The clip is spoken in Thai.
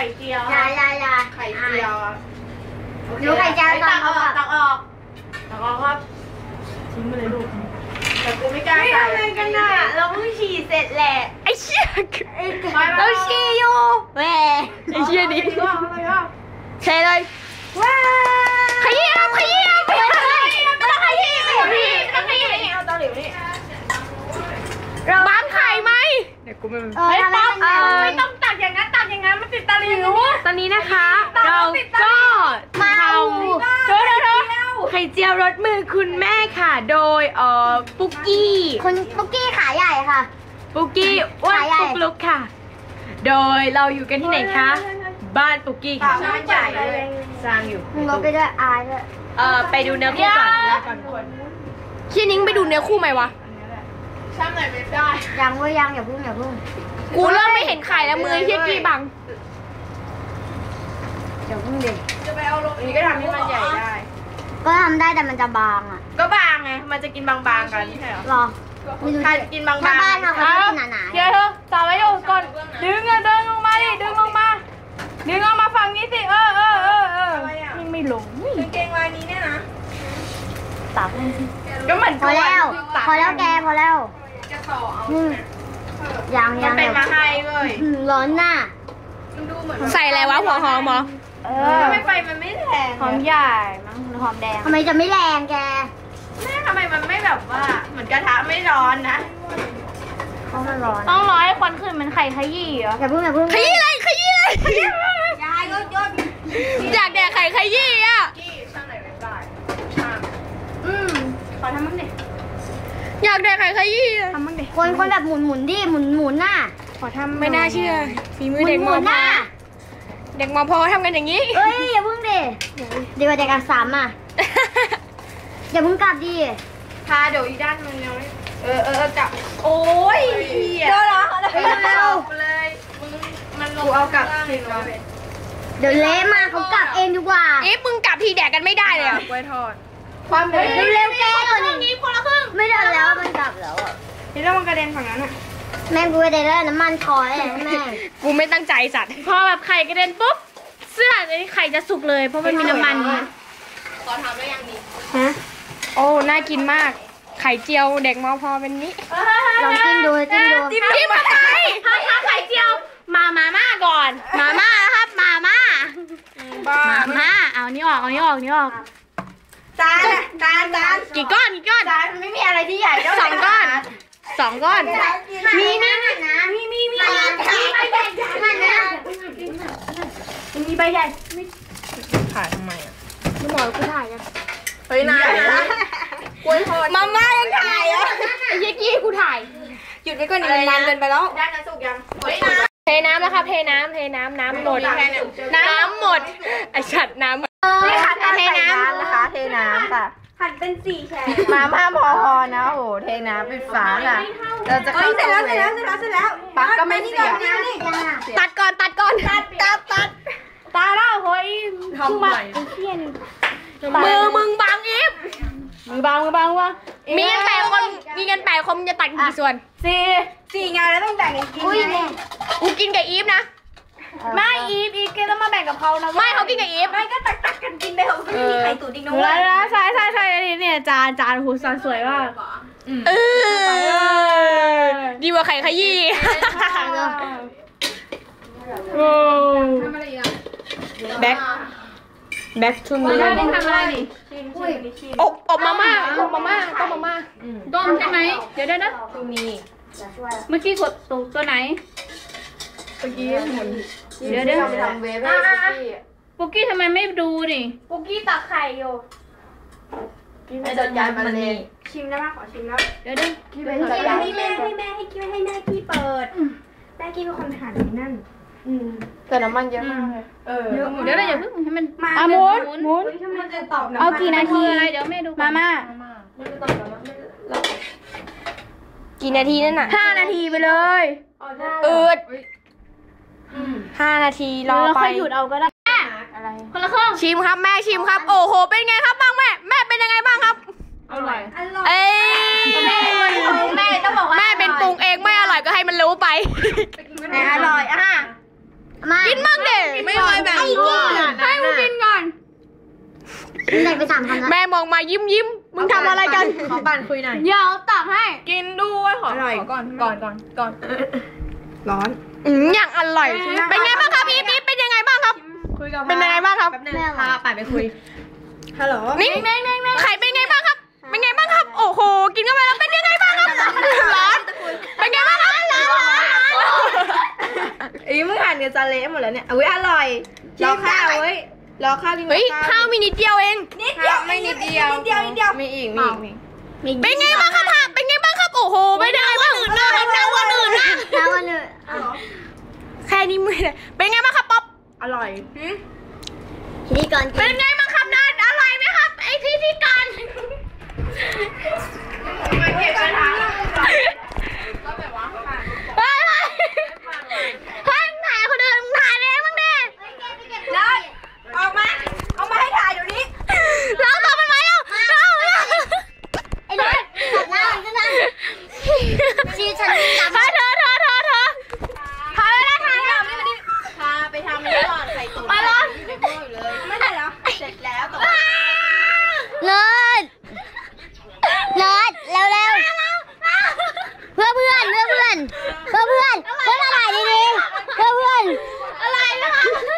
เจียวยาไข่เจียวดูไข่เจียวตอนเขาแบบตักออกครับทิ้งไปเลยลูกแต่กูไม่กล้าใส่อะไรกันน่ะเราเพิ่งฉี่เสร็จแหละไอ้เชี่ยเราฉี่อยู่แหวไอ้เชี่ยดิเทเลยว้าขยี้ครับขยี้ครับไม่ต้องขยี้ไม่ต้องขยี้เอาเตาหลิวนี่บางไข่ไหมเดี๋ยวกูไม่ป๊อปไม่ต้องตักอย่างนั้นมันติดตะหลิวตอนนี้นะคะเราก็ทำไข่เจียวรสมือคุณแม่ค่ะโดยปุ๊กกี้คุณปุ๊กกี้ขาใหญ่ค่ะปุ๊กกี้อ้วนปุ๊กลุกค่ะโดยเราอยู่กันที่ไหนคะบ้านปุ๊กกี้ค่ะบ้านใหญ่เลยสร้างอยู่มึงลบไปด้วยอายด้วยไปดูเนื้อคู่ก่อนแล้วก่อนขี้นิ้งไปดูเนื้อคู่ไหมวะช่างไหนไม่ได้ยังอย่าพึ่งกูเริ่มไม่เห็นไข่แล้วมือเฮี้ยกี้บังเดี๋ยวพึ่งเด็กจะไปเอาลงนี้ก็ทำให้มันใหญ่ได้ก็ทำได้แต่มันจะบางอ่ะก็บางไงมันจะกินบางๆกันใช่หรอถ้ากินบางๆบ้านเราเขากินหนาๆเดี๋ยวเธอต่อไว้อยู่ก่อนดึงเดินลงมาดิดึงลงมาฝั่งนี้สิยังไม่ลงกางเกงลายนี้เนี่ยนะตักก็เหมือนพอแล้วแกพอแล้วจะต่อเอายังเป็นมาให้เลยร้อนหน้าใส่อะไรวะหัวหอมเหรอไม่ไฟมันไม่แรงหอมใหญ่มั้งหอมแดงทำไมจะไม่แรงแกแม่ทำไมมันไม่แบบว่าเหมือนกระทะไม่ร้อนนะเขาไม่ร้อนต้องรอให้ควันขึ้นมันไข่ขยี้เหรออย่าเพิ่งขยี้เลยยายยศอยากแดกไข่ขยี้อ่ะช่างไหนไม่ได้ช่างขอทำมั่งดิอยากแดกไข่ขยี้ทำมั่งดิคนแบบหมุนดิหมุนน่ะขอทำไม่น่าเชื่อฝีมือเด็กมอพอเด็กมอพอทำกันอย่างนี้เอ้ยอย่าเพิ่งดิเดี๋ยวเด็กอักษรอ่ะอย่าเพิ่งกลับดิพาเดี๋ยวอีด้านมันยังไม่จับโอ้ยเดี๋ยวเหรอเลยมันลงเอากลับทิ้งไว้เดี๋ยวเละมาเขากลับเองดีกว่ามึงกลับทีแดกกันไม่ได้เลยกล้วยทอดความเร็วแกคนละครึ่งไม่ได้แล้วมันกลับแล้วนี่แล้วมันกระเด็นฝั่งนั้นอ่ะแม่กูกระเด็นแล้วน้ำมันคอยแม่กูไม่ตั้งใจสัตว์พอแบบไข่กระเด็นปุ๊บเสื้อนี้ไข่จะสุกเลยเพราะมันมีน้ำมันขอทำได้ยังดีฮะโอ้น่ากินมากไข่เจียวเด็กมอพอเป็นนี้ลองจิ้มดูจิ้มอะไรไข่เจียวมาม่าก่อนมาม่านะครับมาม่าเอานี่ออกจานกี่ก้อนจานไม่มีอะไรที่ใหญ่เท่า 2 ก้อนมีใบใหญ่มีใบใหญ่ถ่ายทำไมอ่ะไม่บอกกูถ่ายกันเฮ้ยนายกล้วยทอดมาม่ายังถ่ายอ่ะไอ้ยี่กูถ่ายหยุดไปก่อนนานเกินไปแล้วด้านนั้นสุกยังเทน้ำแล้วค่ะเทน้ำหมดไอฉัดน้ำนี่ค่ะเทน้ำนะคะเทน้ำค่ะหั่นเป็น4แฉกมาม่าพอนะโอ้เทน้ำปิดฝาค่ะเราจะเข้าเสร็จแล้วปักก็ไม่เสียตัดก่อนตาแล้วเฮ้ยทำใหม่มือมึงบังอีฟมือบังวะมีกัน8 คนจะตัดกี่ส่วน 4ไงแล้วต้องแบ่งกันกินไงกูกินกับอีฟนะไม่อีฟแกต้องมาแบ่งกับเขานะไม่เขากินกับอีฟไม่ก็ตักกันกินไปเถอะไม่มีใครตุ๋นอีกนะใช่เนี่ยจานหูสวยมากดีกว่าไข่ขยี้แบ็คชุ่มเลยทำอะไรดิอบมาม่าต้มมาม่าต้มใช่ไหมเดี๋ยวนะเมื่อกี้กดตัวไหนเมื่อกี้หมุนเดี๋ยวทำเวฟปุ๊กกี้ทำไมไม่ดูดิปุ๊กกี้ตักไข่อยู่ไอ้ดดยานมันเลยชิมได้ป่ะขอชิมแล้วเดี๋ยวให้แม่ให้แม่กี้เปิดแม่กี้เป็นคนหั่นนั่นแต่น้ำมันเยอะมากเลยเดี๋ยวเราอย่าเพิ่งให้มันหมุนเอากี่นาทีอะไรเดี๋ยวแม่ดูมากี่นาทีนั่นน่ะ 5 นาทีไปเลย 5 นาทีรอไปค่อยหยุดเอาก็ได้คนละครึ่งชิมครับแม่ชิมครับโอ้โหเป็นไงครับบ้างแม่เป็นยังไงบ้างครับอร่อยแม่ต้องบอกว่าแม่เป็นปรุงเองไม่อร่อยก็ให้มันรู้ไปอร่อยกินมางเด็กไม่ไหวแบบนี้ให้กูกินก่อนได้ไป3 คำแล้วแม่มองมายิ้มมึงทำอะไรกันขอปั่นคุยหน่อยเดี๋ยวตักให้กินด้วยขอก่อนร้อนอย่างอร่อยเป็นไงบ้างครับอีฟเป็นยังไงบ้างครับคุยกับเป็นยังไงบ้างครับแป๊บนึงพาปั่นไปคุยฮัลโหลนี่ไข่เป็นไงบ้างครับเป็นไงบ้างครับ โอ้โหกินเข้าไปแล้วเป็นยังไงบ้างครับร้อนเป็นไงบ้างครับร้อนอีมึงหั่นกับจานเละหมดแล้วเนี่ยอุ้ยอร่อยรอข้าวเว้ยรอข้าวกินเฮ้ยข้าวมีนิดเดียวเองข้าวไม่นิดเดียวมีอีกเป็นไงบ้างครับผักเป็นไงบ้างครับโอ้โหไม่ได้ว่าอื่นนะน้ำวันอื่นนะแล้ววันเลยแค่นี้ไม่ได้เป็นไงบ้างครับป๊อปอร่อยทีนี้ก่อนเป็นไงบ้างครับนัดอร่อยไหมครับไอที่กันมาเก็บกระถางเฮ้ยถ่ายคนอื่นถ่ายเองบ้างดินัดออกมาเอามาให้ถ่ายเดี๋ยวนี้เราตัวมันมาแล้วไอ้รถตัดหน้ามันก็ได้ชีฉันวิ่งตามเธอถ่ายเลยนะถ่ายเลยพาไปทำไม่ก่อนใส่ตุ๋นมาร้อนอยู่ในหม้ออยู่เลยไม่ได้แล้วเสร็จแล้วแต่ว่าเลิศเร็วเพื่อเพื่อนมาถ่ายดีๆเพื่อเพื่อนอะไรนะคะ